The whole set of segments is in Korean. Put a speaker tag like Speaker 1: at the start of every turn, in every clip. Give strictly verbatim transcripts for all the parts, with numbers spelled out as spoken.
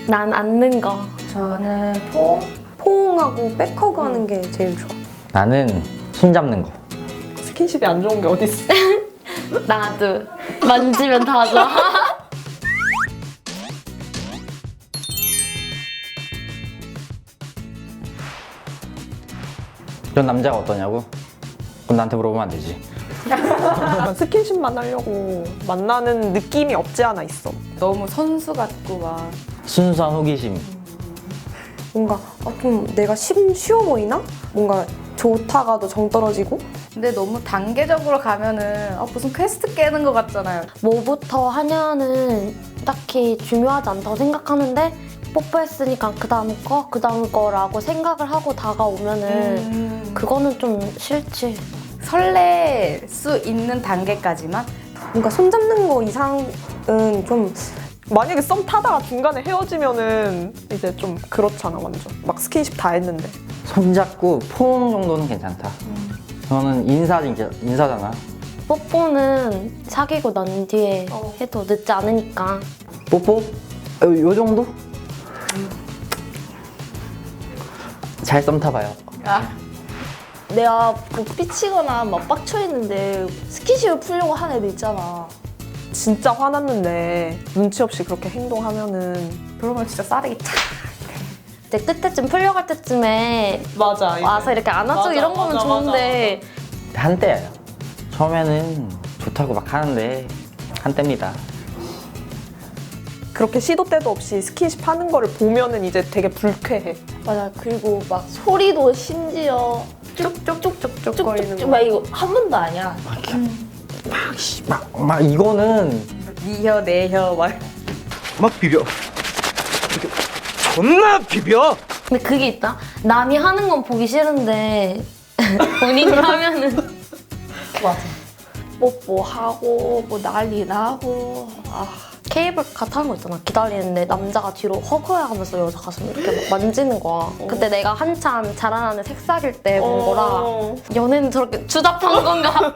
Speaker 1: 난 앉는 거.
Speaker 2: 저는 포.
Speaker 3: 포옹하고 백허그 하는 게 제일 좋아.
Speaker 4: 나는 손 잡는 거.
Speaker 5: 스킨십이 안 좋은 게 어딨어.
Speaker 1: 나도. 만지면 다 좋아.
Speaker 4: 전 남자가 어떠냐고? 그럼 나한테 물어보면 안 되지.
Speaker 5: 약간 스킨십만 하려고 만나는 느낌이 없지 않아 있어.
Speaker 2: 너무 선수 같고 막.
Speaker 4: 순수한 호기심.
Speaker 3: 뭔가 아, 좀 내가 쉬, 쉬워 보이나? 뭔가 좋다가도 정 떨어지고.
Speaker 2: 근데 너무 단계적으로 가면은 아, 무슨 퀘스트 깨는 것 같잖아요.
Speaker 1: 뭐부터 하냐는 딱히 중요하지 않다고 생각하는데 뽀뽀했으니까 그 다음 거, 그 다음 거라고 생각을 하고 다가오면은
Speaker 2: 음.
Speaker 1: 그거는 좀 싫지.
Speaker 2: 설렐 수 있는 단계까지만?
Speaker 3: 뭔가 손 잡는 거 이상은 좀
Speaker 5: 만약에 썸 타다가 중간에 헤어지면은 이제 좀 그렇잖아 완전. 막 스킨십 다 했는데.
Speaker 4: 손 잡고 포옹 정도는 괜찮다. 저는 인사, 인사잖아.
Speaker 1: 뽀뽀는 사귀고 난 뒤에
Speaker 3: 어.
Speaker 1: 해도 늦지 않으니까.
Speaker 4: 뽀뽀? 어, 요 정도? 잘 썸 타봐요.
Speaker 2: 아.
Speaker 6: 내가 뭐 삐치거나 막 빡쳐있는데 스킨십을 풀려고 하는 애들 있잖아.
Speaker 5: 진짜 화났는데 눈치 없이 그렇게 행동하면은
Speaker 2: 그러면 진짜 싸대기 탁.
Speaker 1: 이제 끝에쯤 풀려갈 때쯤에
Speaker 5: 맞아.
Speaker 1: 와서 이렇게 안아주고
Speaker 5: 맞아,
Speaker 1: 이런 거면
Speaker 5: 맞아,
Speaker 1: 좋은데
Speaker 4: 한때예요. 처음에는 좋다고 막 하는데 한때입니다.
Speaker 5: 그렇게 시도 때도 없이 스킨십 하는 거를 보면은 이제 되게 불쾌해.
Speaker 6: 맞아. 그리고 막 소리도 심지어
Speaker 2: 쭉쭉쭉쭉쭉거리는
Speaker 6: 쭉쭉쭉
Speaker 2: 거.
Speaker 6: 막 이거 한 번도 아니야.
Speaker 4: 막, 씨, 막, 막 이거는
Speaker 2: 니혀 내혀 막.
Speaker 7: 막 비벼. 이렇게 존나 비벼.
Speaker 1: 근데 그게 있다. 남이 하는 건 보기 싫은데 본인이 하면은
Speaker 6: 맞아. 뽀뽀하고 뭐 난리 나고. 아.
Speaker 1: 케이블카 타는 거 있잖아. 기다리는데 남자가 뒤로 허거해 하면서 여자 가슴 이렇게 막 만지는 거야. 그때 내가 한참 자라나는 색사귈 때 본 거라
Speaker 5: 어.
Speaker 1: 연애는 저렇게 주잡한 건가?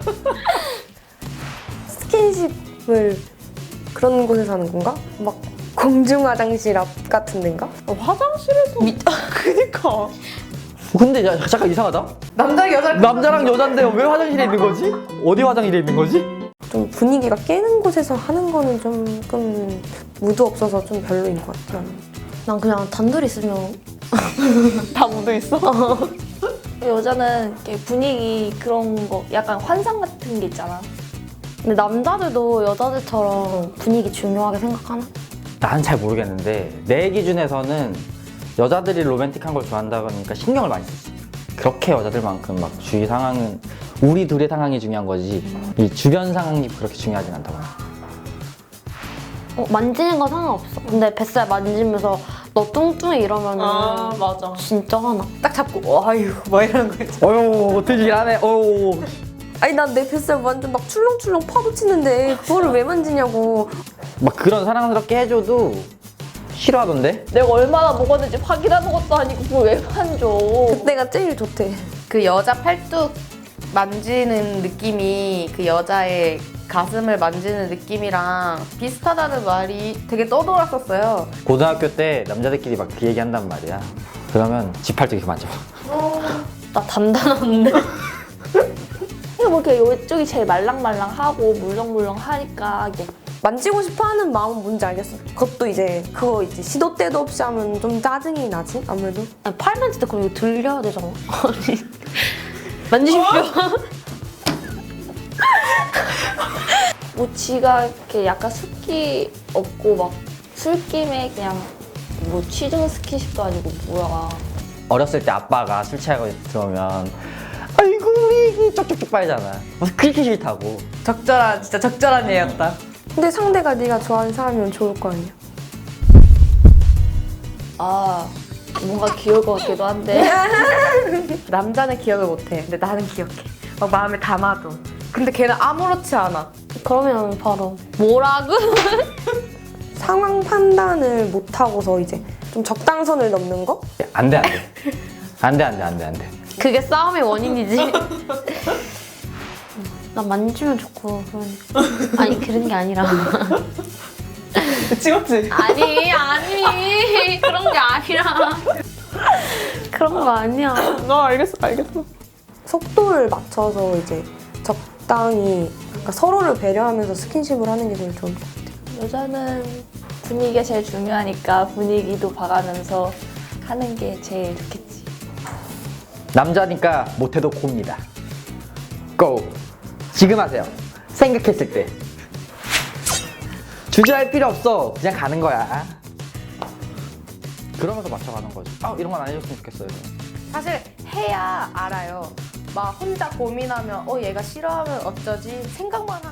Speaker 3: 스킨십을 그런 곳에서 하는 건가? 막 공중 화장실 앞 같은 데인가?
Speaker 5: 어, 화장실에서 그니까.
Speaker 4: 근데 야, 잠깐 이상하다.
Speaker 2: 남자 여자
Speaker 4: 남자랑 여잔데 왜 화장실에 있는 거지? 어디 화장실에 있는 거지?
Speaker 3: 좀 분위기가 깨는 곳에서 하는 거는 조금 무드 없어서 좀 별로인 것 같아.
Speaker 1: 난 그냥 단둘이 있으면
Speaker 5: 다 묻어 있어.
Speaker 6: 여자는 이렇게 분위기 그런 거 약간 환상 같은 게 있잖아.
Speaker 1: 근데 남자들도 여자들처럼 분위기 중요하게 생각하나?
Speaker 4: 난 잘 모르겠는데 내 기준에서는 여자들이 로맨틱한 걸 좋아한다 그러니까 신경을 많이 쓰지. 그렇게 여자들만큼 막 주위 상황은 우리 둘의 상황이 중요한 거지 이 주변 상황이 그렇게 중요하진 않다고.
Speaker 1: 어, 만지는 건 상관없어. 근데 뱃살 만지면서 너 뚱뚱해 이러면은
Speaker 5: 아 맞아.
Speaker 1: 진짜 화나.
Speaker 2: 딱 잡고 아유 뭐 이런 거 있지.
Speaker 4: 어휴 되지하네. 어휴.
Speaker 3: 아니 난 내 뱃살 완전 막 출렁출렁 파묻히는데 그거를 왜 만지냐고.
Speaker 4: 막 그런 사랑스럽게 해줘도 싫어하던데?
Speaker 6: 내가 얼마나 먹었는지 확인하는 것도 아니고 그걸 왜 만져.
Speaker 3: 그때가 제일 좋대.
Speaker 2: 그 여자 팔뚝 만지는 느낌이 그 여자의 가슴을 만지는 느낌이랑 비슷하다는 말이 되게 떠돌았었어요.
Speaker 4: 고등학교 때 남자들끼리 막 그 얘기 한단 말이야. 그러면 지팔뚝 이렇게 만져봐.
Speaker 1: 나 단단한데?
Speaker 6: 근데 뭐 이렇게 이쪽이 제일 말랑말랑하고 물렁물렁하니까 이게
Speaker 3: 만지고 싶어하는 마음은 뭔지 알겠어. 그것도 이제 그거 이제 시도 때도 없이 하면 좀 짜증이 나지 아무래도.
Speaker 1: 아니, 팔 만질 때 그럼 이거 들려야 되잖아. 아니, 만지십시오.
Speaker 6: 뭐 지가 이렇게 약간 습기 없고 막 술김에 그냥 뭐 취중 스킨십도 아니고 뭐야.
Speaker 4: 어렸을 때 아빠가 술 취하고 들어오면 아이고 이게 쪽쪽쪽 빨잖아. 그렇게 싫다고.
Speaker 2: 적절한 진짜 적절한 예였다.
Speaker 3: 근데 상대가 네가 좋아하는 사람이면 좋을 거 아니야.
Speaker 6: 아 뭔가 귀여울 것 같기도 한데.
Speaker 2: 남자는 기억을 못해. 근데 나는 기억해. 막 마음에 담아도. 근데 걔는 아무렇지 않아.
Speaker 1: 그러면 바로 뭐라고?
Speaker 3: 상황 판단을 못 하고서 이제 좀 적당선을 넘는 거?
Speaker 4: 안돼 안돼. 안돼 안돼 안돼 안돼.
Speaker 1: 그게 싸움의 원인이지. 나 만지면 좋고 그러니까. 아니 그런 게 아니라.
Speaker 5: 찍었지?
Speaker 1: 아니 아니.
Speaker 3: 그런 거 아니야.
Speaker 5: 나 알겠어, 알겠어.
Speaker 3: 속도를 맞춰서 이제 적당히 그러니까 서로를 배려하면서 스킨십을 하는 게 제일 좋은 것 같아요.
Speaker 6: 여자는 분위기가 제일 중요하니까 분위기도 봐가면서 하는 게 제일 좋겠지.
Speaker 4: 남자니까 못해도 고입니다. 고! 지금 하세요. 생각했을 때. 주저할 필요 없어. 그냥 가는 거야. 그러면서 맞춰가는 거지. 아, 이런 건 안 해줬으면 좋겠어요.
Speaker 2: 사실 해야 알아요. 막 혼자 고민하면 어 얘가 싫어하면 어쩌지 생각만